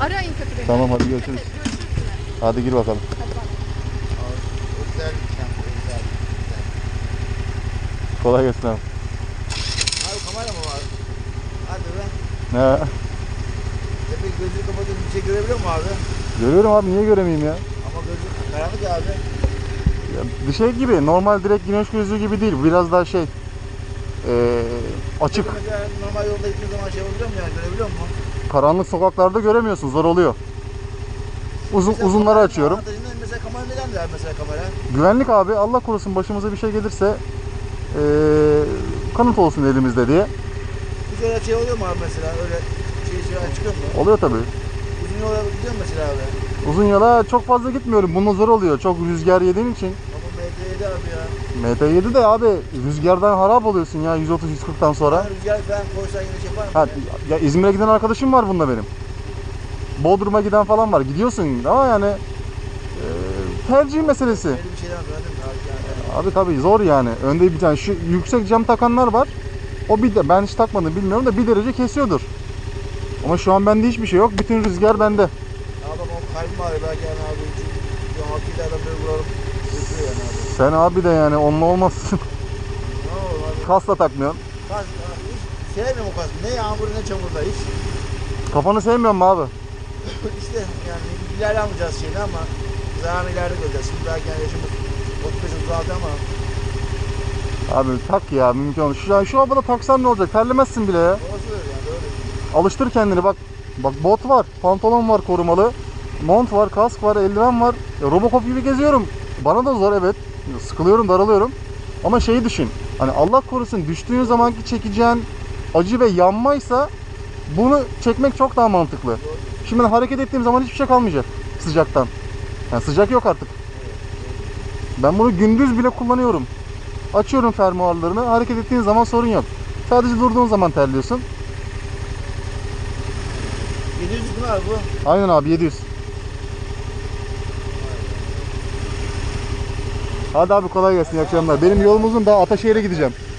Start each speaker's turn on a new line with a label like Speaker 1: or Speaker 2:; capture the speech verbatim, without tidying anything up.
Speaker 1: Arayın kötü beni.
Speaker 2: Tamam hadi görüşürüz.
Speaker 1: Evet, görüşürüz yine.
Speaker 2: Hadi gir bakalım.
Speaker 1: Hadi bak.
Speaker 3: Özel bir kamp, özel.
Speaker 2: Kolay gelsin abi.
Speaker 3: Abi kamera mı var? Hadi be.
Speaker 2: Ne?
Speaker 3: Tepe gözünü kapatıp bir şey görebiliyor mu abi?
Speaker 2: Görüyorum abi, niye göremeyeyim ya?
Speaker 3: Ama gözü karanlık ya abi.
Speaker 2: Ya bir şey gibi, normal direkt güneş gözlüğü gibi değil. Biraz daha şey ee, açık.
Speaker 3: Mesela normal yolda gittiğin zaman şey olabiliyor mu yani, görebiliyor musun?
Speaker 2: Karanlık sokaklarda göremiyorsun, zor oluyor. Uzun
Speaker 3: Mesela
Speaker 2: uzunları
Speaker 3: kameranın
Speaker 2: açıyorum.
Speaker 3: avantajından mesela kamera neden der mesela kamera?
Speaker 2: Güvenlik abi, Allah korusun başımıza bir şey gelirse ee, kanıt olsun elimizde diye.
Speaker 3: Hiç öyle şey oluyor mu abi mesela, öyle şey şey çıkıyor mu?
Speaker 2: Oluyor tabii.
Speaker 3: Uzun yola gidiyor mu mesela abi?
Speaker 2: Uzun yola çok fazla gitmiyorum. Bununla zor oluyor. Çok rüzgar yediğin için.
Speaker 3: Ama M T yedi abi ya.
Speaker 2: M T yedi de abi rüzgardan harap oluyorsun ya yüz otuz yüz kırktan sonra.
Speaker 3: Ben rüzgar falan koysan yine şey yapar mı?
Speaker 2: Ha, ya İzmir'e giden arkadaşım var bunda benim. Bodrum'a giden falan var. Gidiyorsun ama yani e, tercih meselesi.
Speaker 3: Öyle bir şeyden öğrendim mi abi yani?
Speaker 2: Abi tabii zor yani. Önde bir tane şu yüksek cam takanlar var. O bir de ben hiç takmadım bilmiyorum da bir derece kesiyordur. Ama şu an bende hiçbir şey yok. Bütün rüzgar bende.
Speaker 3: Abi o kalbim ağrıyor belki yani abi. Çünkü altıyla böyle vuralım. Götürüyor yani abi.
Speaker 2: Sen abi de yani onunla olmazsın.
Speaker 3: Ne olur abi?
Speaker 2: Kasla takmıyorsun.
Speaker 3: Kas, hiç sevmiyorum o kaskı. Ne yağmur ne çamurda hiç.
Speaker 2: Kafanı sevmiyor mu abi?
Speaker 3: İşte yani ileride almayacağız şeyini ama zararını ileride göreceğiz. Şimdi belki yani yaşımız otuz beş otuz altı ama
Speaker 2: Abi tak ya, mümkün olur. Şu, yani şu havada taksan ne olacak? Terlemezsin bile ya.
Speaker 3: orası öyle yani öyle.
Speaker 2: Alıştır kendini bak. Bak bot var, pantolon var korumalı. Mont var, kask var, eldiven var. Ya, Robocop gibi geziyorum. Bana da zor evet. Sıkılıyorum, daralıyorum. Ama şeyi düşün. Hani Allah korusun düştüğün zamanki çekeceğin acı ve yanmaysa bunu çekmek çok daha mantıklı. Şimdi ben hareket ettiğim zaman hiçbir şey kalmayacak sıcaktan. Yani sıcak yok artık. Ben bunu gündüz bile kullanıyorum. Açıyorum fermuarlarını. Hareket ettiğin zaman sorun yok. Sadece durduğun zaman terliyorsun.
Speaker 3: yedi yüz mü abi bu?
Speaker 2: Aynen abi, yedi yüz. Hadi abi kolay gelsin, iyi akşamlar. Benim yolum uzun, daha Ataşehir'e gideceğim.